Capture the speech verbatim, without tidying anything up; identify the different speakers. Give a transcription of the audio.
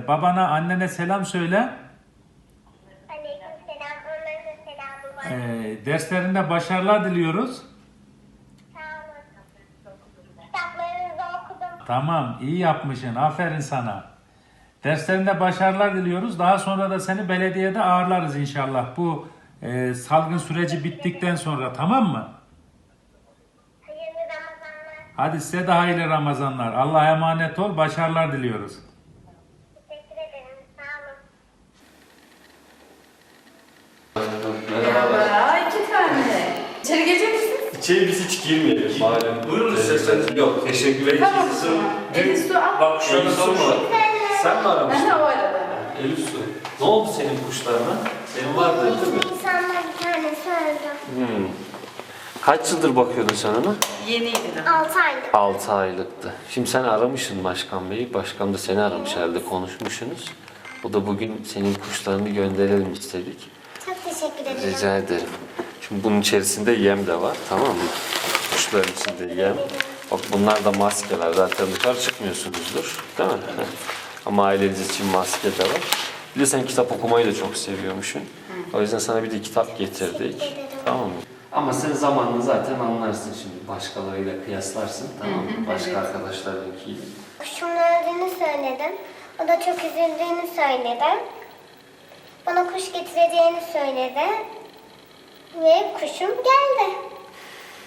Speaker 1: babana, annene selam söyle.
Speaker 2: Aleykümselam. Onların da selamı var.
Speaker 1: Ee, derslerinde başarılar diliyoruz.
Speaker 2: Sağ olun. Kitaplarınızı okudum.
Speaker 1: Tamam, iyi yapmışsın. Aferin sana. Derslerinde başarılar diliyoruz. Daha sonra da seni belediyede ağırlarız inşallah. Bu e, salgın süreci bittikten sonra, tamam mı?
Speaker 2: Hayırlı Ramazanlar.
Speaker 1: Hadi size de hayırlı Ramazanlar. Allah'a emanet ol. Başarılar diliyoruz.
Speaker 2: Teşekkür ederim. Sağ olun.
Speaker 3: Merhaba, iki tane. İçeri gelecek misiniz?
Speaker 4: İçeri biz hiç girmeyelim malum.
Speaker 5: Buyurun isterseniz. Yok, teşekkür ederim.
Speaker 3: Tamam. Elif su al.
Speaker 5: Bak şöyle
Speaker 4: Elif Su
Speaker 5: sorma.
Speaker 4: mu? Sen mi aramıştın?
Speaker 3: Ben o arada.
Speaker 4: Elif Su. Ne oldu senin kuşlarına? Senin vardı değil mi?
Speaker 2: İnsanlar bir tanesi öldü.
Speaker 4: Hmm. Kaç yıldır bakıyordun sen ona?
Speaker 3: Yeniydi de.
Speaker 2: altı aylık.
Speaker 4: altı aylıktı. Şimdi sen aramışsın Başkan Bey'i. Başkan da seni aramış herhalde, konuşmuşsunuz. O da bugün senin kuşlarını gönderelim istedik.
Speaker 2: Çok teşekkür ederim.
Speaker 4: Rica ederim. Şimdi bunun içerisinde yem de var, tamam mı? Kuşların içinde yem. Bak bunlar da maskeler. Zaten dışarı çıkmıyorsunuzdur, değil mi? Ama aileniz için maske de var. Bir de sen kitap okumayı da çok seviyormuşsun. O yüzden sana bir de kitap getirdik. Tamam mı? Ama sen zamanla zaten anlarsın şimdi. Başkalarıyla kıyaslarsın, tamam mı? Başka
Speaker 3: evet.
Speaker 4: arkadaşlarınkiyle.
Speaker 2: Kuşumun öldüğünü söyledim. O da çok üzüldüğünü söyledi. Bana kuş getireceğini söyledi. Ve kuşum geldi.